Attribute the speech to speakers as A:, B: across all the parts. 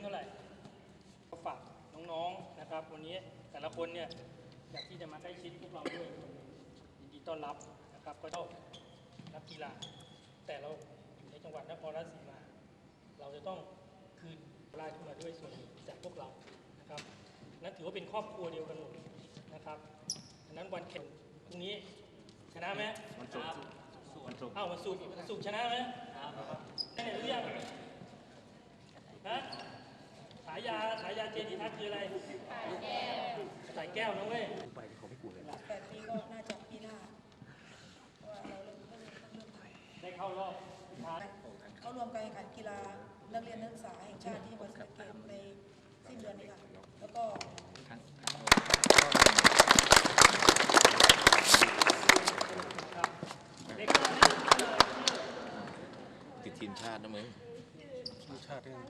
A: ท่าไหร่ก็ฝากน้องๆนะครับวันนี้แต่ละคนเนี่ยอยากที่จะมาใกล้ชิดพวกเราด้วยยินดีต้อนรับนะครับก็ต้องนักกีฬาแต่เราอยู่ในจังหวัดนครราชสีมาเราจะต้องคืนรายขึ้นมาด้วยส่วนหนึ่งจากพวกเรานะครับนั่นถือว่าเป็นครอบครัวเดียวกันหมดนะครับฉะนั้นวันแข่งพรุ่งนี้ชนะไหมวันศุกร์วันศุกร์ชนะไหมได้หรือยังฮะฉายาเจดีทัศน์คืออะไรสายแก้วนะเว้ยไปเขาไม่กูเลย
B: 8 ปีก็น่าจะปีหน้าเพราะว่าเราเริ่มต้องเริ่ม
A: ได้เข้ารอบ
B: เข้ารวมการแข่งขันกีฬานักเรียนนักศึกษาแห่งชาติที่จังหวัดศรีสะเกษในสิ้นเดือนนี้ค่ะแล้วก็
C: ติดทีมชาตินะมึง
D: ทีมชาติด้วย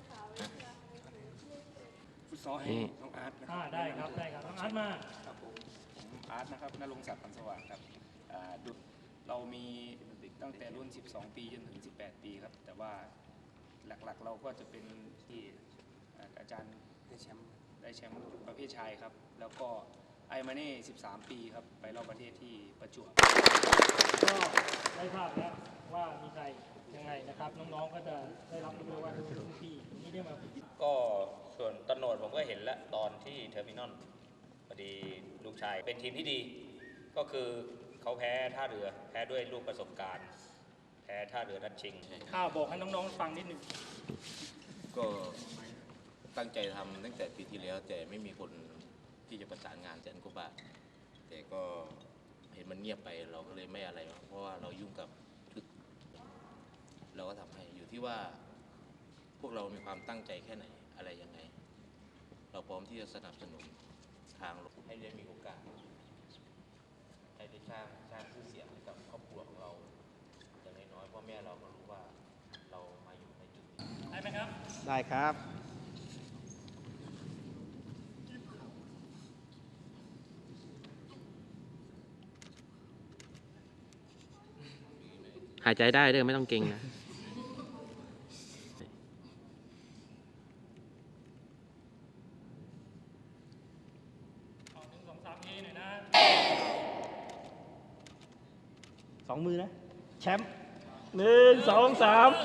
D: ฟุตซอลให้น้องอาร์ตนะครับ
A: ได้ครับน้องอาร์ตมา
D: ครับผมอาร์ตนะครับณรงค์ศักดิ์ พันสว่างครับเรามีตั้งแต่รุ่น12 ปีจนถึง18 ปีครับแต่ว่าหลักๆเราก็จะเป็นที่อาจารย์ได้แชมป์ประเภทชายครับแล้วก็ไอมาเน่13 ปีครับไปรอบประเทศที่ประจวบ
A: ก็ได้ภาพแล้วว่ามีใครยังไงนะครับน้องๆก็จะได้รับรู้ว่ารุ่นพี่นี่ได้มา
C: ก็ส่วนตโนดผมก็เห็นแล้วตอนที่เทอร์มินอลพอดีลูกชายเป็นทีมที่ดีก็คือเขาแพ้ท่าเรือแพ้ด้วยลูกประสบการณ์แพ้ท่าเรือนัดชิง
A: บอกให้น้องๆฟังนิดหนึ่ง
C: ก็ตั้งใจทำตั้งแต่ปีที่แล้วแต่ไม่มีคนที่จะประสานงาน100,000 กว่าบาทแต่ก็เห็นมันเงียบไปเราก็เลยไม่อะไรเพราะว่าเรายุ่งกับชุดเราก็ทำให้อยู่ที่ว่าพวกเรามีความตั้งใจแค่ไหนอะไรยังไงเราพร้อมที่จะสนับสนุนทางให้ได้มีโอกาสให้ได้สร้างชื่อเสียงให้กับครอบครัวของเราอย่างน้อยๆพ่อแม่เราก็รู้ว่าเรามาอยู่ในจุดนี้
A: ได้ไหมครับ
E: ได้ครับหายใจได้เด้อไม่ต้องเก่งนะ2 มือนะแชมป์1 2 3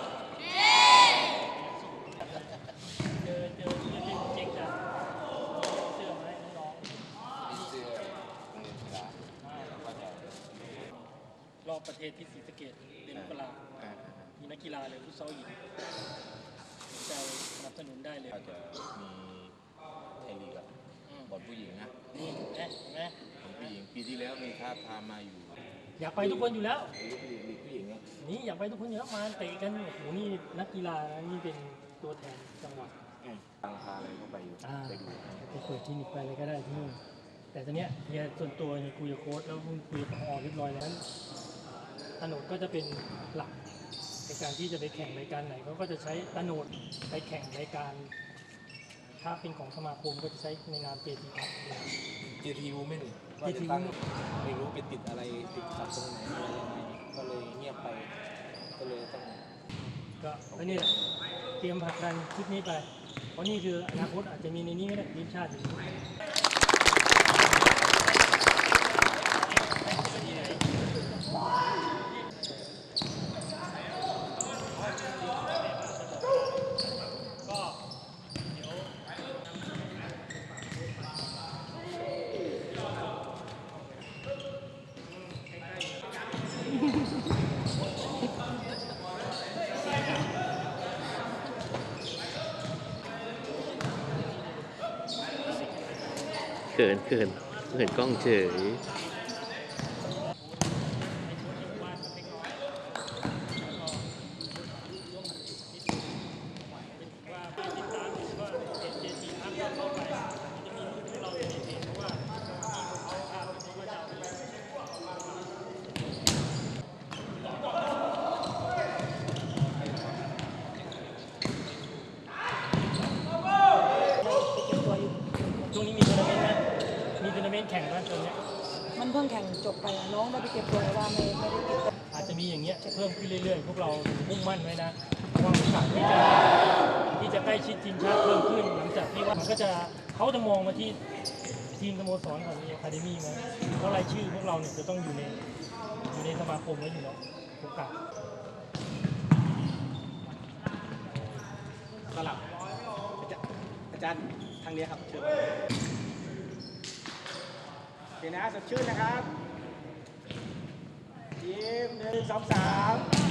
A: เจอเจ๊งจ้ะเสื้อไหมน้องรอบประเทศที่ศรีสะเกษเดือนมกรามีนักกีฬาเลยฟุตซอลหญิงจะสนับสนุนได้เลย
C: ก็จะมีไทยลีกบอลผู้หญิงนะ
A: นี่เห็นไหม
C: บอลผู้หญิงปีที่แล้วมีท่าพามาอยู่
A: อยากไปทุกคนอยู่แล้ว
C: ลีกผู้หญิง
A: นี่อยากไปทุกคนอยู่แล้วมาเตะกันโอ้โหนี่นักกีฬานี่เป็นตัวแทนจังหวัด
C: ตั้งพาอะไรเข้าไปอยู่ไปดู
A: ไปเปิดคลินิกไปอะไรก็ได้ที่นู่นแต่ตอนเนี้ยเฮียส่วนตัวคุยกับโค้ชแล้วคุยกับผอ.เรียบร้อยแล้วตโนดก็จะเป็นหลักในการที่จะไปแข่งรายการไหนเขาก็จะใช้ตโนดไปแข่งรายการถ้าเป็นของสมาคมก็จะใช้ในนามเจทีครับ
D: เจทีวูแมนว่าจะตั้งไม่รู้ไปติดอะไรติดขัดตรงไหนอะไรยังไงก็เลยเงียบไปก็เลยต้อง
A: ก็นี่แหละเตรียมผลักดันคลิปนี้ไปเพราะนี่คืออนาคตอาจจะมีในนี้ก็ได้ทีมชาติอยู่
E: เขินกล้องเฉย
A: ช่วงนี้มีทัวร์นาเมนต์ไหมมีทัวร์นาเมนต์แข่งบ้างตรงนี้
B: มันเพิ่งแข่งจบไปน้องได้ไปเก็บตัวว่าไม่ได้ติด
A: อาจจะมีอย่างเงี้ยเพิ่มขึ้นเรื่อยๆพวกเรามุ่งมั่นไว้นะว่าโอกาสที่จะใกล้ล้ชิดทีมชาติเพิ่มขึ้นหลังจากที่ว่ามันก็จะเขาจะมองมาที่ทีมสโมสรของอะคาเดมี่มั้ยเพราะรายชื่อพวกเราเนี่ยจะต้องอยู่ในสมาคมไว้อยู่แล้วโอกาส
E: สลับอาจารย์ทางนี้ครับเชิญโอเคนะสดชื่นนะครับยิ้ม1 2 3